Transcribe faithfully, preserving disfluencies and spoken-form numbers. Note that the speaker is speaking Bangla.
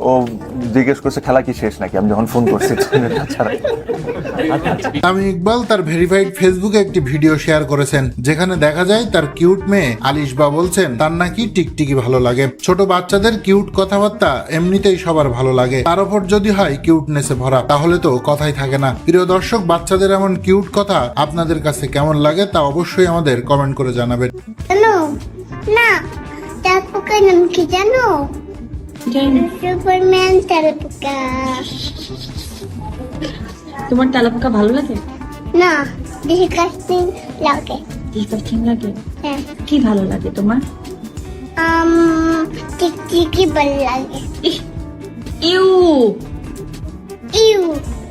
ও জিজ্ঞেস করছে খেলা কি শেষ নাকি, আমি যখন ফোন করছি। আমি ইকবাল তার ভেরিফাইড ফেসবুকে একটি ভিডিও শেয়ার করেছেন, যেখানে দেখা যায় তার কিউট মেয়ে আলিশবা বলছেন তার নাকি টিকটিকি ভালো লাগে। ছোট বাচ্চাদের কিউট কথাবার্তা এমনিতেই সবার ভালো লাগে, তার উপর যদি হয় কিউটনেসে ভরা, তাহলে তো কথাই থাকে না। প্রিয় দর্শক, বাচ্চাদের এমন কিউট কথা আপনাদের কাছে কেমন লাগে তা অবশ্যই আমাদের কমেন্ট করে জানাবেন। জানো না তেলাপোকার নাম কি জানো? সুপারম্যান তেলাপোকা। তোমার তেলাপোকা ভালো লাগে? না, ডিসকাস্টিং লাগে। ডিসকাস্টিং লাগে? হ্যাঁ। কি ভালো লাগে তোমার? আম টিকটিকি ভালো লাগে। You you